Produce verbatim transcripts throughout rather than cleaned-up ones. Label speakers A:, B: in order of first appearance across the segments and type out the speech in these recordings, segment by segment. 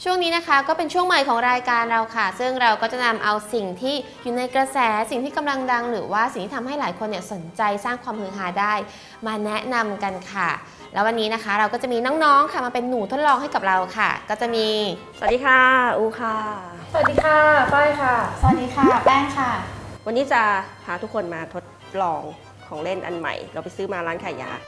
A: ช่วงนี้นะคะก็เป็นช่วงใหม่ของรายการเราค่ะซึ่งเราก็จะนำเอาสิ่งที่อยู่ในกระแสสิ่งที่กำลังดังหรือว่าสิ่งที่ทำให้หลายคนเนี่ยสนใจสร้างความฮือฮาได้มาแนะนำกันค่ะแล้ววันนี้นะคะเราก็จะมีน้องๆค่ะมาเป็นหนูทดลองให้กับเราค่ะก็จะมี
B: สวัสดีค่ะอูค่ะ
C: สวัสดีค่ะฝ้ายค่ะ
A: สวัสดีค่ะแป้งค่ะ
B: วันนี้จะพาทุกคนมาทดลองของเล่นอันใหม่เราไปซื้อมาร้านขายยา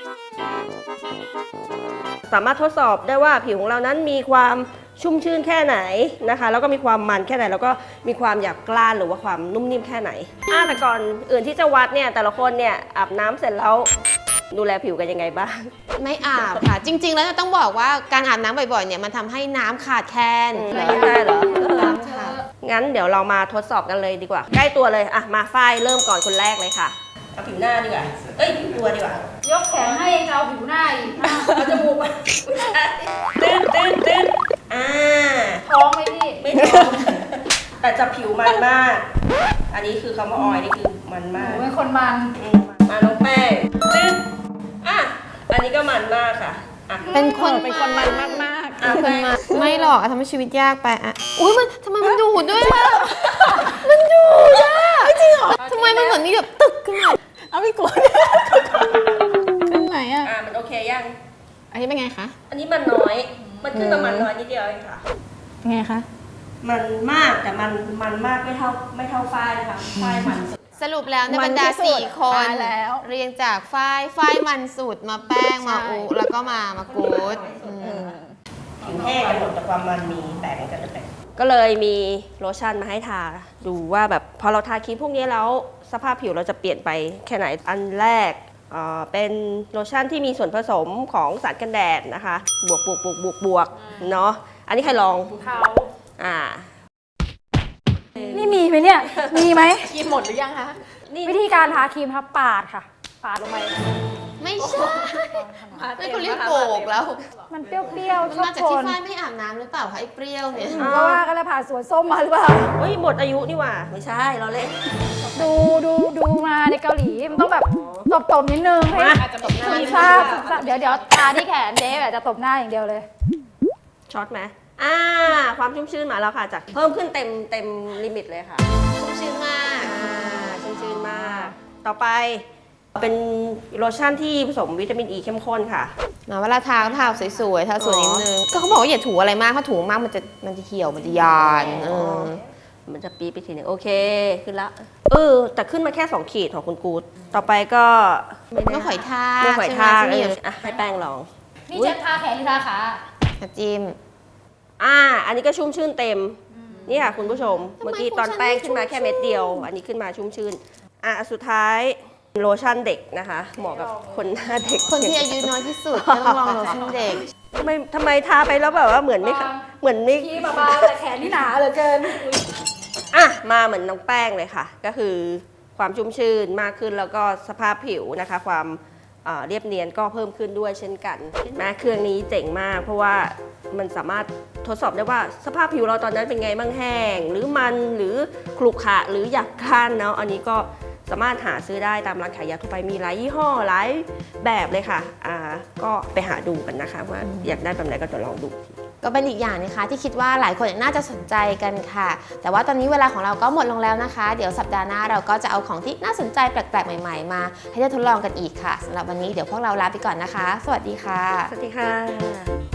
B: สามารถทดสอบได้ว่าผิวของเรานั้นมีความชุ่มชื้นแค่ไหนนะคะแล้วก็มีความมันแค่ไหนแล้วก็มีความหยาบกร้านหรือว่าความนุ่มนิ่มแค่ไหนอ่าแต่ก่อนอื่นที่จะวัดเนี่ยแต่ละคนเนี่ยอาบน้ำเสร็จแล้วดูแลผิวกันยังไงบ้าง
A: ไม่อาบค่ะจริงๆแล้วต้องบอกว่าการอาบน้ำบ่อยๆเนี่ยมันทำให้น้ำขาดแคลน
B: ไม่ได้เหรองั้นเดี๋ยวเรามาทดสอบกันเลยดีกว่าใกล้ตัวเลยอ่ะมาฝ้ายเริ่มก่อนคนแรกเลยค่ะเอาผิวหน้าดีกว่าเอ้ยผิวตัวดีกว่าย
C: กแขนให้เอาผิวหน้าอีก
B: เอาจมูกมาตื้นตื้นตื้นอ่า
C: ท้องไหมพี่
B: ไม่ท้องแต่จะผิวมันมากอันนี้คือคำว่าออยนี่คือมันมาก
C: เป็นคนมัน
B: มาน้องแป้งตื้นอ่ะอันนี้ก็มันมากค่ะ
A: เป็นคน
C: เป็นคนมันมากมาก
A: เป็นมาไม่หรอกทำให้ชีวิตยากไปอ่ะอุ้ยมันทำไมมันดูดด้วยอ่ะมันดูดอ่ะจริงเหรอทำไมมันเหมือนมีแบบตึกขึ้นมา
C: เอาไม่กลัวขึ้นไหนอ่ะ
B: อ่ะมันโอเคยัง
C: อันนี้เป็นไงคะ
B: อันนี้มันน้อยมันขึ้นประมาณน้อยนิดเดียวเองค่ะ
C: ไงคะ
B: มันมากแต่มันมันมากไม่เท่าไม่เท่าฝ้ายนะคะฝ้ายมันสุด
A: สรุปแล้วในบรรดาสี่คนเรียงจากฝ้ายฝ้ายมันสุดมาแป้งมาอุแล้วก็มามากูด
B: ผิวแห้งกันหมดแต่ความมันมีแตกกันแต่ก็เลยมีโลชั่นมาให้ทาดูว่าแบบพอเราทาครีมพวกนี้แล้วสภาพผิวเราจะเปลี่ยนไปแค่ไหนอันแรกเป็นโลชั่นที่มีส่วนผสมของสารกันแดดนะคะบวกบวกบวกบวกบวกเนาะอันนี้ใครลอง
C: เขา
B: อ่า
C: นี่มีไหมเนี่ยมีไหม
A: ครีมหมดหรือยังคะ
C: วิธีการทาครีมครับปาดค่ะปาดลงไป
A: ไม่ใช่ไม่คุณเรียกโบกแล้ว
C: มันเปรี้ยวๆชอบ
A: มาจากที่ฝ้ายไม่อาบน้ำหรือเปล่าคะไอ้เปรี้ยวเนี่ย
C: เพราะว่าก็เลยผ่านสวนส้มมาหรือเปล่า
B: เฮ้ยหมดอายุนี่หว่าไม่ใช่เราเล่น
C: ดูดูดูมาในเกาหลีมันต้องแบบตบๆนิดนึงให้คุณทราบเดี๋ยวเดี๋ยวทาที่แขนเจ๊แบบจะตบหน้าอย่างเดียวเลย
B: ช็อตไหมอ่าความชุ่มชื้นมาแล้วค่ะจากเพิ่มขึ้นเต็มเต็มลิมิตเลยค่ะ
A: ชุ่มชื้นมาก
B: อ่าชุ่มชื้นมากต่อไปเป็นโลชั่นที่ผสมวิตามินอีเข้มข้นค่ะ
A: มาเวลาทาก็ทาสวยๆทาสวยนิดนึงก็เขาบอกว่าอย่าถูอะไรมากถ้าถูมากมันจะมันจะเหี่ยวมันจะยานเออ
B: มันจะปีไปทีนึงโอเคขึ้นละเออแต่ขึ้นมาแค่สองขีดของคุณกูดต่อไปก็
A: เมื่อหอยทาก
B: เมื่อหอยทากเอออ่ะให้แป้งลอง
C: นี่จะทาแขนหรือทาขา
A: จิ้ม
B: อ่าอันนี้ก็ชุ่มชื่นเต็มนี่ค่ะคุณผู้ชมเมื่อกี้ตอนแป้งขึ้นมาแค่เม็ดเดียวอันนี้ขึ้นมาชุ่มชื่นอ่ะสุดท้ายโลชั่นเด็กนะคะเหมาะกับคนหน้าเด็ก
A: คนที่อายุน้อยที่สุดต้องลองโลชั่นเด็ก
B: ทำไมทำไมทาไปแล้วแบบว่าเหมือนไม่เหมือนไม่
C: ที่บางแต่แขนนี่หนาเหลือเกิน
B: อ่ะมาเหมือนน้องแป้งเลยค่ะก็คือความชุ่มชื่นมากขึ้นแล้วก็สภาพผิวนะคะความเรียบเนียนก็เพิ่มขึ้นด้วยเช่นกันแม้เครื่องนี้เจ๋งมากเพราะว่ามันสามารถทดสอบได้ว่าสภาพผิวเราตอนนั้นเป็นไงบ้างแห้งหรือมันหรือขรุขระหรือหยาบกร้านเนาะอันนี้ก็สามารถหาซื้อได้ตามร้านขายยาทั่วไปมีหลายยี่ห้อหลายแบบเลยค่ะอ่าก็ไปหาดูกันนะคะว่าอยากได้แบบไหนก็จะลองดู
A: ก็เป็นอีกอย่างนะคะที่คิดว่าหลายคนน่าจะสนใจกันค่ะแต่ว่าตอนนี้เวลาของเราก็หมดลงแล้วนะคะเดี๋ยวสัปดาห์หน้าเราก็จะเอาของที่น่าสนใจแปลกๆใหม่ๆมาให้ได้ทดลองกันอีกค่ะสำหรับวันนี้เดี๋ยวพวกเราลาไปก่อนนะคะสวัสดีค่ะ
B: สวัสดีค่ะ